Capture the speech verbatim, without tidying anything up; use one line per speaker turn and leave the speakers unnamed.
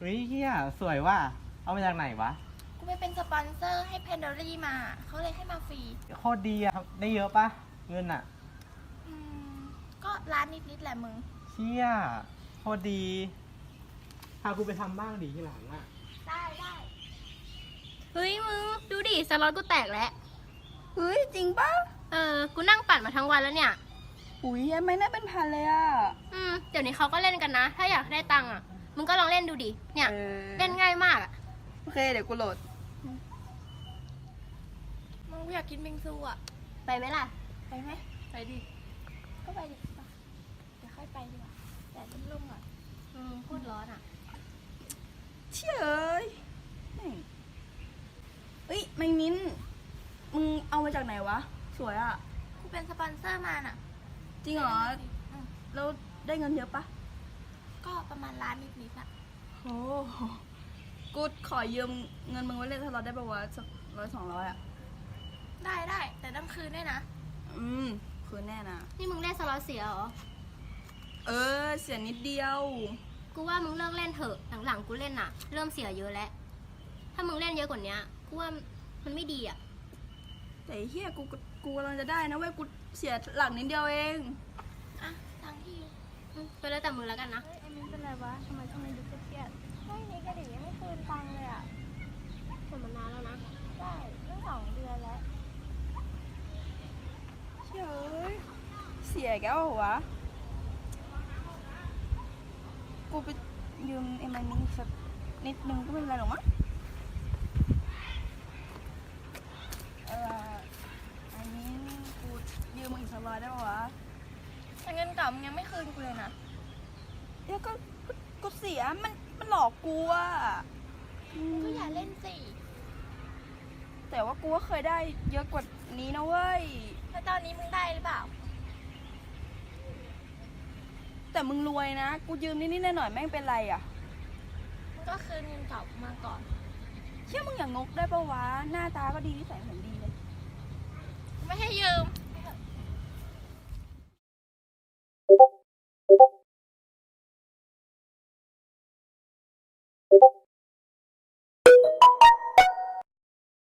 เฮ้ยเฮียสวยว่ะเอามาจากไหนวะ
กูไปเป็นสปอนเซอร์ให้เพนเดอรี่มาเขาเลยให้มาฟรี
โคตรดีอะครับได้เยอะปะเงินอะ
อืมก็ร้านนิดๆแหละมึง
เชี่ยโคตรดีพากูไปทำบ้างดิที่หลังอะ
ได้ได้
เฮ้ยมึงดูดิสล็อตกูแตกแล้ว
เฮ้ยจริงปะ
เออกูนั่งปั่นมาทั้งวันแล้วเนี่ย
อุ้ยยังไม่น่าเป็นพันเลยอ่ะ
อืมเดี๋ยวนี้เขาก็เล่นกันนะถ้าอยากได้ตังค์อ่ะมึงก็ลองเล่นดูดิเนี่ย
เออ
เล่นง่ายมากอ่ะ
โอเคเดี๋ยวกูโหลด
มึงกูอยากกินบิงซูอ่ะ
ไปไหมล่ะ
ไปไหม
ไปดิ
ก็ไปดิไปเดี๋ยวค่อยไปดีกว่าแต่ต้นลมก่อน
อืมพูดร้อนอ่ะ
เชี่ยเอ้ยเฮ้ยแมงมิ้นมึงเอามาจากไหนวะสวยอ่ะ
กูเป็นสปอนเซอร์มาน่ะ
จริงเหรอแล้วได้เงินเยอะปะ
ก็ประมาณล้านนิดๆอ่ะ
โอ้กูขอยืมเงินมึงไว้เล่นสล็อตได้ปะวะสักร้อยสองร้อยอ่ะ
ได้ได้แต่ต้องคืนด้วยนะ
อืมคืนแน่นะ
นี่มึงเล่นสล็อตเสียเหรอ
เออเสียนิดเดียว
กูว่ามึงเลิกเล่นเถอะหลังๆกูเล่นอ่ะเริ่มเสียเยอะแล้วถ้ามึงเล่นเยอะกว่านี้กูว่ามันไม่ดีอ่ะ
แต่เฮียกูกูกำลังจะได้นะเว้ยกูเสียหลักนิดเดียวเอง
อ่ะตังที่
ไปแล้วแต่มึงแล้วกันนะ
เฮ้ยไอ้มิ้นเป็นไรวะทำไมช่วงนี้ดูเครียดใช่นี่กระดิ่งยังไม่คืนตังเลยอ่ะ
คนมานานแล้วนะ
ใช่เรื่องสองเดือนแล้ว
เฉยเสียแก้วเหรอวะกูไปยืมไอ้มันนี่สักนิดนึงก็ไม่เป็นไรหรอกมั้งเอออันนี้กูยืมมึงอีกสักร้อยได้ปะวะ
แต่เงินเก่ามึงยังไม่คืนกูเลยนะ
เดี๋ยวก็กูเสียมันมันหลอกกูอ่ะ
ก็อย่าเล่นสิ
แต่ว่ากูก็เคยได้เยอะกว่านี้นะเว้ย
แล้วตอนนี้มึงได้หรือเปล่า
แต่มึงรวยนะกูยืมนิดๆหน่อยๆแม่งเป็นไรอ่ะ
มึงก็คืนเงินเก่ามาก่อน
เชื่อมึงอย่างงกได้ปะวะหน้าตาก็ดีนิสัยเหมือนดีเลย
ไม่ให้ยืม